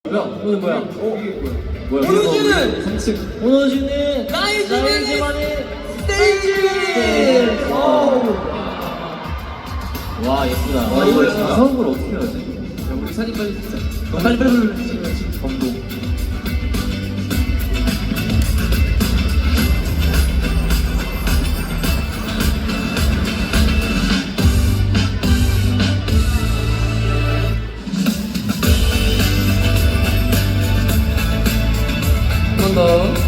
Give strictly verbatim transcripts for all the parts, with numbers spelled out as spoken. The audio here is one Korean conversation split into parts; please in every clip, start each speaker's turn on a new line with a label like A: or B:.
A: 뭐야? 오늘 뭐야? 어? 이게 뭐야? 뭐야?
B: 오너지는!
A: 삼 층 오너지는
B: 나이즈만의
A: 스테이지! 와 예쁘다. 와 이거 진짜 처음으로 어떻게 하지? 야 우리 사진 빨리 찍자. 어, 빨리 빨리 빨리 빨리. 감동. 한 번 더.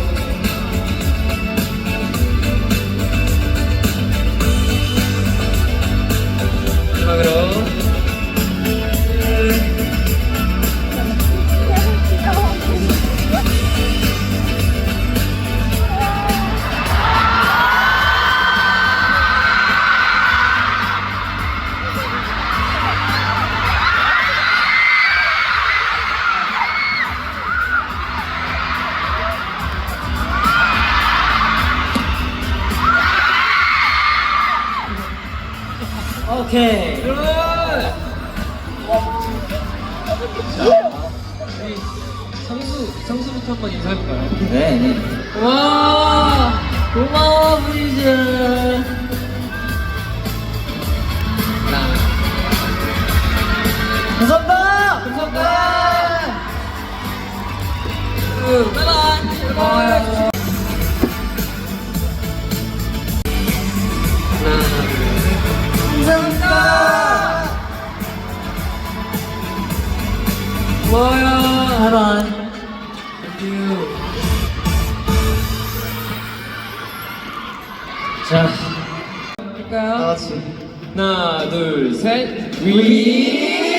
A: 마지막으로. 오케이.
B: 여러분! 우리 성수, 성수부터 한번 인사해볼까요?
A: 네 네.
B: 와! 고마워, 브리즈!
A: 감사합니다.
B: 감사합니다! 응, 바이바이! 고마워요. 하나, 둘, 셋. 감사합니다! 고마워요.
A: 바이바이.
B: Thank you.
A: 자,
B: 할까요?
A: 다 같이.
B: 하나, 둘, 셋.
A: 위.